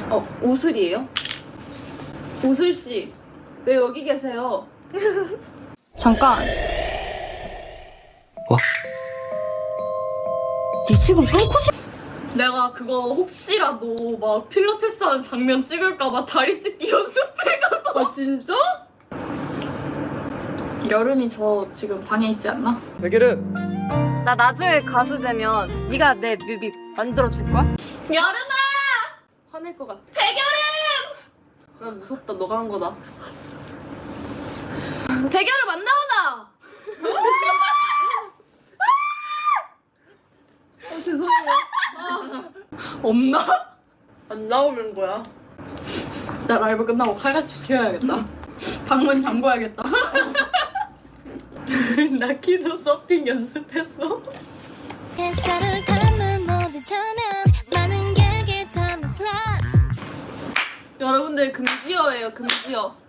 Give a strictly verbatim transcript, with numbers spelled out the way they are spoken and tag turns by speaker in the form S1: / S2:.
S1: 어, 우슬이에요? 우슬씨, 왜 여기 계세요? 잠깐.
S2: 와.
S1: 니 지금 똥코시... 내가 그거 혹시라도 막 필라테스 하는 장면 찍을까봐 다리 찢기 연습해가고. 아, 진짜? 여름이 저 지금 방에 있지 않나?
S2: 백예름.
S3: 나 나중에 가수 되면 네가 내 뮤비 만들어줄 거야?
S1: 여름아! 화낼 것 같아. 백여름! 난 무섭다. 너가 한 거다. 백여름 안 나오나? 아, 죄송해요. 아, 없나? 안 나오는 거야. 나 라이브 끝나고 칼같이 튀어야겠다. 방문 잠궈야겠다. 나 키도 서핑 연습했어.
S4: 햇살을 담은 모든 조명 많은 객을 담은 프라이스
S1: 여러분들 금지어예요, 금지어.